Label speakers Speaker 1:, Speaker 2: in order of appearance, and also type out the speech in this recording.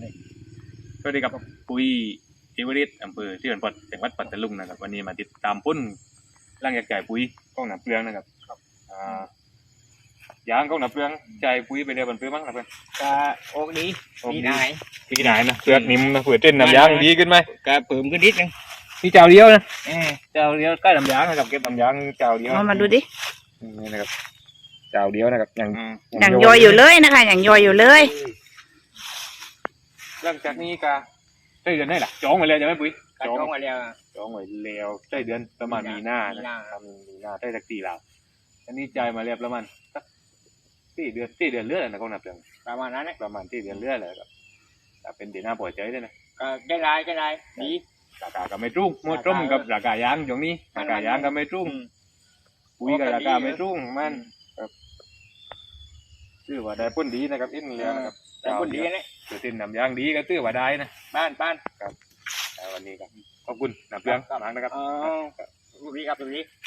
Speaker 1: เลย
Speaker 2: สวัสดีครับปุ้ยเอเวอเรสต์อำเภอที่เขื่อนปอดจังหวัดปัตตานีนะครับวันนี้มาติดตามพุ่นร่างจากจ่ายปุ๋ยกล้องหนาเปลืองนะครับยางกล้องหนาเปลืองจ่ายปุ๋ยไปเรียบันเปลืองมั้งครับเพื่อน
Speaker 1: ก็โอกดีดีได้
Speaker 2: พี่ไหนนะเปลือกนิ่มนะเผื่อเต้นน้ำยางดีขึ้นไหม
Speaker 1: ก็เพิ่มขึ้นนิดนึง
Speaker 2: นี่เจ้าเดียวนะเจ้าเดียวใกล้น้ำยางนะครับเก็บน้ำยางเจ้าเดียว
Speaker 3: มาดูดิ
Speaker 2: นี่นะครับเจ้าเดียวนะครับอย่าง
Speaker 3: ย่อยอยู่เลยนะคะอย่างย่อยอยู่เลย
Speaker 2: หลังจากนี้ก็ใช้เดือนได้หรอจองไว้เลยใช่ไหมปุ้ย
Speaker 1: ก็จ้องมาแล้ว
Speaker 2: จองไว้แล้วใช้เดือนประมาณมีนานะมีนาได้สัก4 ลาวอันนี้จ่ายมาเรียบประมาณสัก4 เดือนเรื่อยนะกองนับเดือน
Speaker 1: ประมาณนั้นนะ
Speaker 2: ประมาณ4 เดือนเรื่อยเลยครับแต่เป็นเดือนหน้าปล่อยใจด้วยนะ
Speaker 1: ก็ได้ได้ดี
Speaker 2: ราคาก็ไม่รุ่งหมดร่มกับราคายางอย่างนี้ราคายางก็ไม่รุ่งปุ๋ยก็ราคาไม่รุ่งมันครับชื่อว่าได้ผลดีนะครับอินแล้วนะครับ
Speaker 1: แต่คนดีนะ
Speaker 2: ถือตินนำยางดีก็ตื้อว่าได้นะ
Speaker 1: บ้าน
Speaker 2: วันนี้ครับขอบคุณนับเรื่องมากนะครับ
Speaker 1: รูปนี้ครับรูปนี้